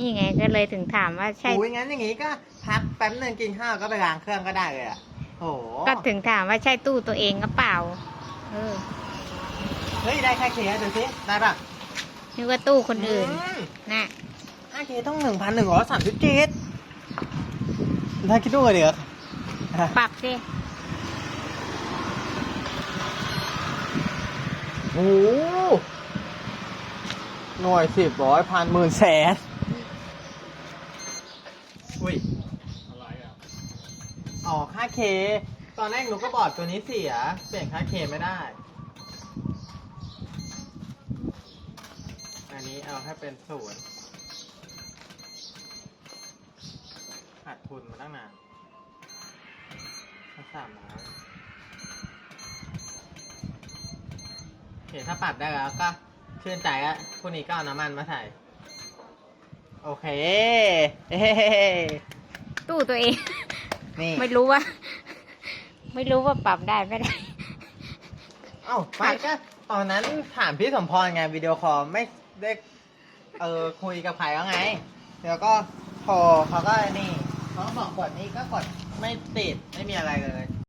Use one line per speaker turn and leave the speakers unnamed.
นี่ไงก็เลยถึงถามว่าใช่
โอ้ยงั้นอย่างงี้ก็พักแป๊บนึงกินข้าวก็ไปล้างเครื่องก็ได้เลยอ่ะโอ้โห
ก็ถึงถามว่าใช่ตู้ตัวเองหรือเปล่าอ
เฮ้ยได้แค่เคสดูสิได้ปะ
นึกว่าตู้คนอื่นน่ะ
ค่าเคสต้อง1,137ถ้าคิดดูกันเดี๋ยว
ปรับสิ
โอ้โหหน่วย10 ร้อยพันหมื่นแสนอุ้ย
อะไรอ่ะ
อ๋อค่าเค ตอนแรกหนูก็บอกตัวนี้เสีย เปลี่ยนค่าเคไม่ได้ อันนี้เอาให้เป็น0ขาดทุนมาตั้งนาน300โอเคถ้าปรับได้แล้วก็ชื่นใจแล้วพรุ่งนี้ก็เอาน้ำมันมาใส่ โอเค เฮ้
ตู้ตัวเอง
นี่
ไม่รู้ว่า ไม่รู้ว่าปรับได้ไม่ได้
เอ้าไม่ก็ตอนนั้นถามพี่สมพรไงวิดีโอคอลไม่ได้คุยกับใครแล้วไง เดี๋ยวก็โทรเขาก็นี่เขาก็บอกกดนี้ก็กดไม่ติดไม่มีอะไรเลย